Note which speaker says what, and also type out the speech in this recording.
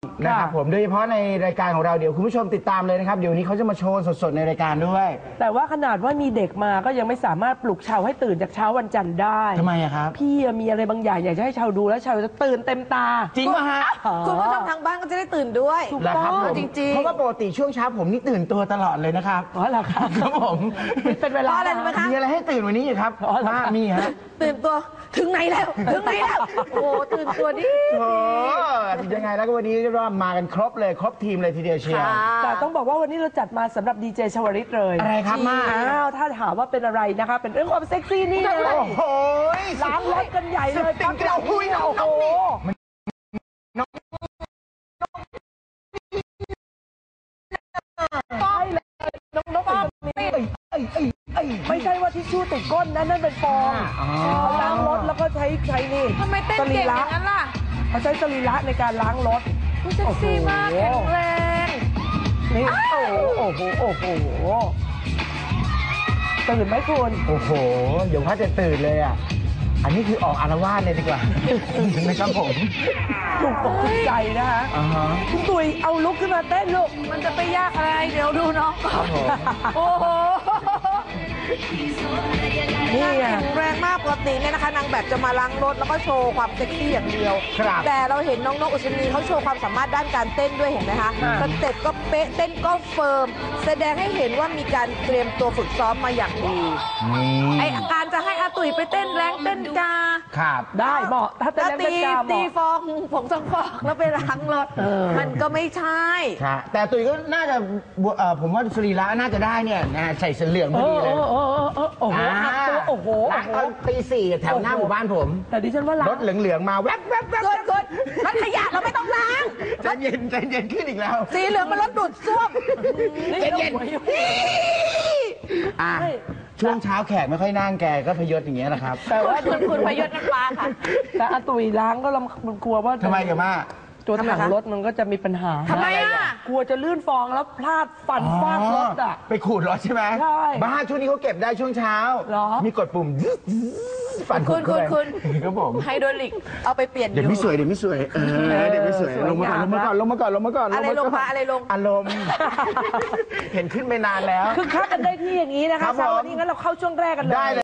Speaker 1: นะครับผมโดยเฉพาะในรายการของเราเดี๋ยวคุณผู้ชมติดตามเลยนะครับเดี๋ยวนี้เขาจะมาโชว์สดๆในรายการด้วย
Speaker 2: แต่ว่าขนาดว่ามีเด็กมาก็ยังไม่สามารถปลุกชาวให้ตื่นจากเช้าวันจันทร์ได้
Speaker 1: ทำไมอะครับ
Speaker 2: พี่มีอะไรบางอย่างอยากจะให้ชาวดูแล้วชาวจะตื่นเต็มตา
Speaker 1: จริงป่ะฮะ
Speaker 3: คุณผู้ชมทางบ้านก็จะได้ตื่นด้วย
Speaker 2: ถูกต้อง
Speaker 3: จริงๆ
Speaker 1: เพราะว่าปกติช่วงเช้าผมนี่ตื่นตัวตลอดเลยนะครับ
Speaker 2: อ๋อเหรอครับ
Speaker 1: ครับผม
Speaker 2: เป็นเวลา
Speaker 3: อะไรไหมคะ
Speaker 1: มีอะไรให้ตื่นวันนี้อีกครับมีฮะ
Speaker 3: ตื่นตัวถึงไหนแล้วโอ้ตื่นตัวดิ
Speaker 1: โอ้ยังไงแล้วก็วันนี้เรียกว่ามากันครบเลยครบทีมเลยทีเดียวเชียว
Speaker 2: แต่ต้องบอกว่าวันนี้เราจัดมาสำหรับดีเจชวริตเลย
Speaker 1: อะไรครับมา
Speaker 2: ถ้าถามว่าเป็นอะไรนะคะเป็นเรื่องความเซ็กซี่นี่เลย
Speaker 1: โอ้โห
Speaker 2: ล้างรถกันใหญ่เลย
Speaker 1: ติ๊กเราคุยน้องนี่
Speaker 2: ไม่ใช่ว่าทิชชู่ติดก้นนั่นเป็นฟองล้างรถแล้วก็ใช้นี่
Speaker 3: ทำไมเต้นเก่งอย่างนั้นล่ะ
Speaker 2: เขาใช้สรีระในการล้างรถ
Speaker 3: เซ็กซี่มากแข็งแรง
Speaker 2: นี่โอ้โหตื่นไหมคุณ
Speaker 1: โอ้โหเดี๋ยวเขาจะตื่นเลยอ่ะอันนี้คือออกอารวาสเลยดีกว่านะครับผม
Speaker 2: ถูกอกถูกใจนะคะคุณตุ๋ยเอาลุกขึ้นมาเต้นลูก
Speaker 3: มันจะไปยากอะไรเดี๋ยวดูน้องก่อนโอ้โหนี่แข็งแรงมากปกติเนี่ยนะคะนางแบบจะมาล้างรถแล้วก็โชว์ความเซ็กซี่อย่างเดียวแต่เราเห็นน้องนกอุศนีเขาโชว์ความสามารถด้านการเต้นด้วยเห็นไหมคะสเต็ปก็เป๊ะเต้นก็เฟิร์มแสดงให้เห็นว่ามีการเตรียมตัวฝึกซ้อมมาอย่างดีไอการจะให้อาตุ๋ยไปเต้นแรงเต้นกา
Speaker 1: ครับ
Speaker 2: ได้เหมาะถ้าเต้นแรงเต้นกา
Speaker 3: ตีฟองผงซักฟอกแล้วไปล้างรถมันก็ไม่ใช่
Speaker 1: แต่ตุ๋ยก็น่าจะผมว่าสรีระน่าจะได้เนี่ยใส่เสื้อเหลืองพอดีเลย
Speaker 2: โอ้โห
Speaker 1: ล้างตอนตี 4แถวหน้าหมู่บ้านผม
Speaker 2: แต่ดิฉันว่าร
Speaker 1: ถเหลืองๆมาแวบ
Speaker 3: กดรถขยะเราไม่ต้องล้าง
Speaker 1: ใจเย็นขึ้นอีกแล้ว
Speaker 3: สีเหลืองมันรถดูดซ่วม
Speaker 1: ใจเย็นช่วงเช้าแขกไม่ค่อยนั่งแกก็พยศอย่างเงี้ยนะครับ
Speaker 3: แต่ว่าคุณพยศน้ำปลาค่ะ
Speaker 2: แต่อาตุ๋ยล้างก็กลัวว่า
Speaker 1: ทำไมกันมา
Speaker 2: ตัวถังรถมันก็จะมีปัญหา
Speaker 3: ทำไม
Speaker 2: กลัวจะลื่นฟองแล้วพลาดฟันฟาดรถ
Speaker 1: ไปขูดรถใช่ไหม
Speaker 2: ใช่
Speaker 1: บ้าช่วงนี้เขาเก็บได้ช่วงเช้ามีกดปุ่มฟัน
Speaker 3: คุณ
Speaker 1: ครับผม
Speaker 3: ไฮโดรลิกเอาไปเปลี่ยน
Speaker 1: เดี๋ยวไม่สวยเดี๋ยวไม่สวยลงมาก่อนอะไรลง
Speaker 3: อะไรลง
Speaker 1: อารมณ์เห็นขึ้นไปนานแล้ว
Speaker 2: คือคักกันได้ที่อย่างนี้นะคะสาววันนี้งั้นเราเข้าช่วงแรกกันเลย